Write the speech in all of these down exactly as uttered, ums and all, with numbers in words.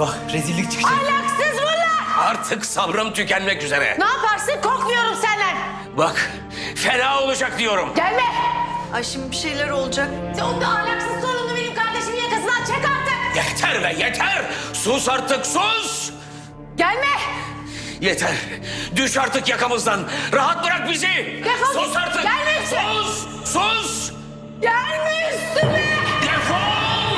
Eyvah, rezillik çıkacak. Ahlaksız bunlar! Artık sabrım tükenmek üzere. Ne yaparsın? Korkmuyorum senden. Bak, fena olacak diyorum. Gelme! Ay şimdi bir şeyler olacak. O da ahlaksız sorunlu benim kardeşimin yakasından çek artık! Yeter be, yeter! Sus artık, sus! Gelme! Yeter! Düş artık yakamızdan! Rahat bırak bizi! Defol Sus git! artık! Gelme üstüme! Sus! Sus! Gelme üstüme! Defol!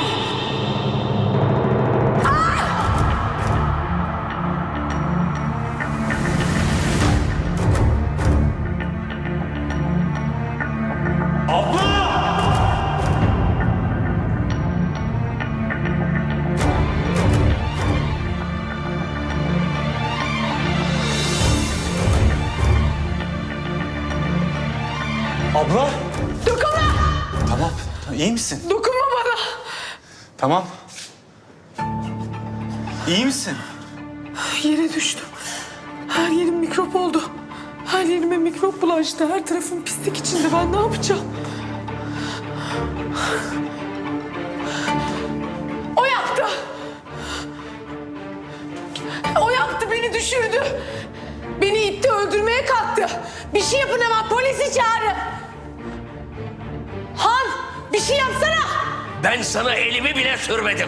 Abla! Dokunma! Tamam, iyi misin? Dokunma bana! Tamam. İyi misin? Yere düştüm. Her yerim mikrop oldu. Her yerime mikrop bulaştı. Her tarafım pislik içinde. Ben ne yapacağım? O yaptı! O yaptı, beni düşürdü. Beni itti, öldürmeye kalktı. Bir şey yapın hemen, polisi çağırın. Han, bir şey yapsana! Ben sana elimi bile sürmedim.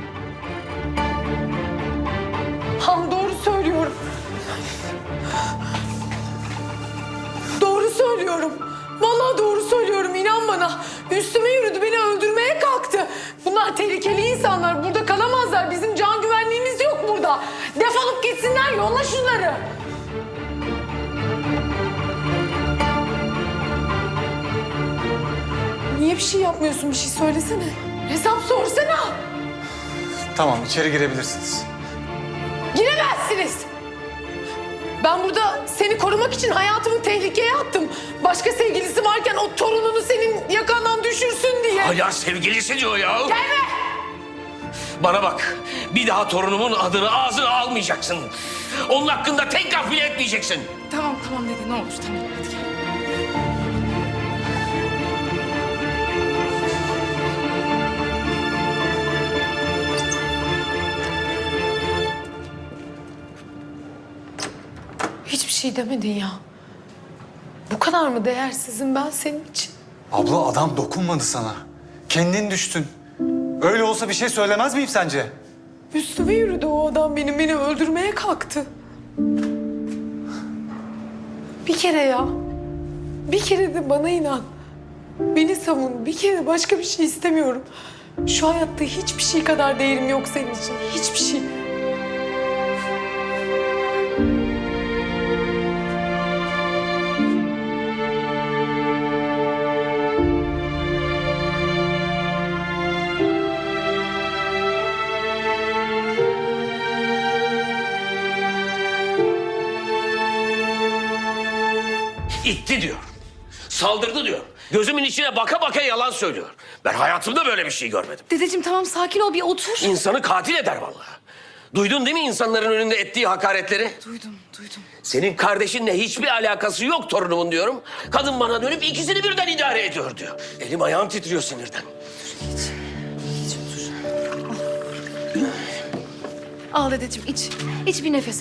Han doğru söylüyorum. Doğru söylüyorum. Vallahi doğru söylüyorum. İnan bana. Üstüme yürüdü, beni öldürmeye kalktı. Bunlar tehlikeli insanlar. Burada kalamazlar. Bizim can güvenliğimiz yok burada. Defolup gitsinler. Yolla şunları. Niye bir şey yapmıyorsun? Bir şey söylesene. Hesap sorsana. Tamam, içeri girebilirsiniz. Giremezsiniz. Ben burada seni korumak için hayatımı tehlikeye attım. Başka sevgilisi varken o torununu senin yakandan düşürsün diye. Hala sevgilisi diyor ya. Gelme! Bana bak, bir daha torunumun adını ağzına almayacaksın. Onun hakkında tek laf bile etmeyeceksin. Tamam tamam dede ne olur tamam hadi gel. Hiçbir şey demedin ya. Bu kadar mı değersizim ben senin için? Abla, adam dokunmadı sana. Kendin düştün. Öyle olsa bir şey söylemez miyim sence? Üstüme yürüdü o adam benim, beni öldürmeye kalktı. Bir kere ya. Bir kere de bana inan. Beni savun. Bir kere başka bir şey istemiyorum. Şu hayatta hiçbir şey kadar değerim yok senin için. Hiçbir şey. İtti diyor. Saldırdı diyor. Gözümün içine baka baka yalan söylüyor. Ben hayatımda böyle bir şey görmedim. Dedeciğim tamam sakin ol bir otur. İnsanı katil eder vallahi. Duydun değil mi insanların önünde ettiği hakaretleri? Duydum duydum. Senin kardeşinle hiçbir alakası yok torunumun diyorum. Kadın bana dönüp ikisini birden idare ediyor diyor. Elim ayağım titriyor sinirden. Al dedeciğim iç. İç bir nefes al.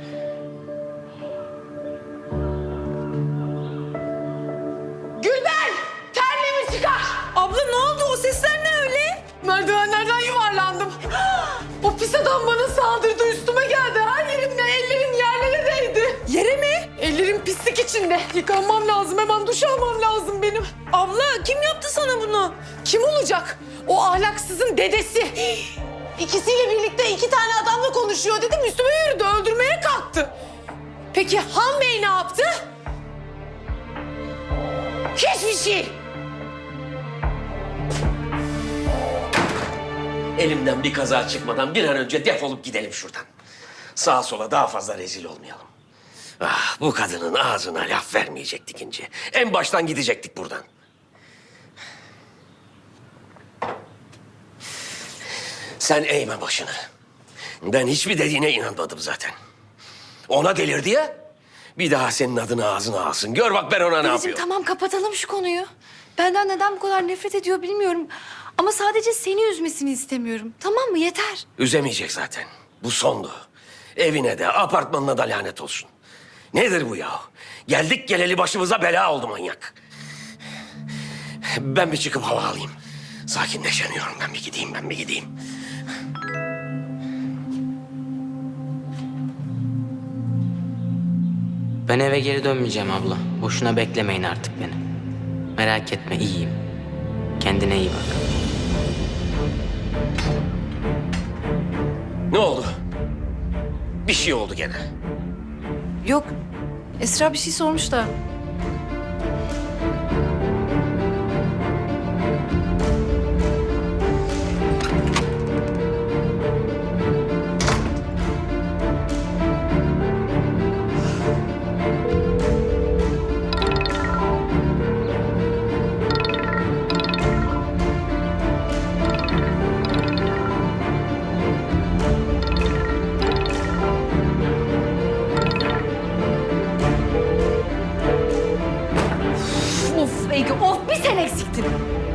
Gülben! Terliğimi çıkar! Abla ne oldu? O sesler ne öyle? Merdivenlerden yuvarlandım. O pis adam bana saldırdı. Üstüme geldi. Her yerimle ellerim yerlere değdi. Yere mi? Ellerim pislik içinde. Yıkanmam lazım. Hemen duş almam lazım benim. Abla kim yaptı sana bunu? Kim olacak? O ahlaksızın dedesi. İkisiyle birlikte iki tane adamla konuşuyor dedim. Üstüme yürüdü. Öldürmeye kalktı. Peki Han Bey ne yaptı? Hiçbir şey. Elimden bir kaza çıkmadan bir an önce defolup gidelim şuradan. Sağa sola daha fazla rezil olmayalım. Ah, bu kadının ağzına laf vermeyecektik İnci. En baştan gidecektik buradan. Sen eğme başını. Ben hiçbir dediğine inanmadım zaten. Ona delirdi ya. Bir daha senin adını ağzına alsın. Gör bak ben ona ne Dedeciğim yapıyorum. tamam kapatalım şu konuyu. Benden neden bu kadar nefret ediyor bilmiyorum. Ama sadece seni üzmesini istemiyorum. Tamam mı? Yeter. Üzemeyecek zaten. Bu sondu. Evine de apartmanına da lanet olsun. Nedir bu ya? Geldik geleli başımıza bela oldu manyak. Ben bir çıkıp hava alayım. Sakinleşemiyorum. Ben bir gideyim, ben bir gideyim. Ben eve geri dönmeyeceğim abla. Boşuna beklemeyin artık beni. Merak etme, iyiyim. Kendine iyi bak. Ne oldu? Bir şey oldu gene. Yok. Esra bir şey sormuş da. Of Ege, of bir sen eksiktin.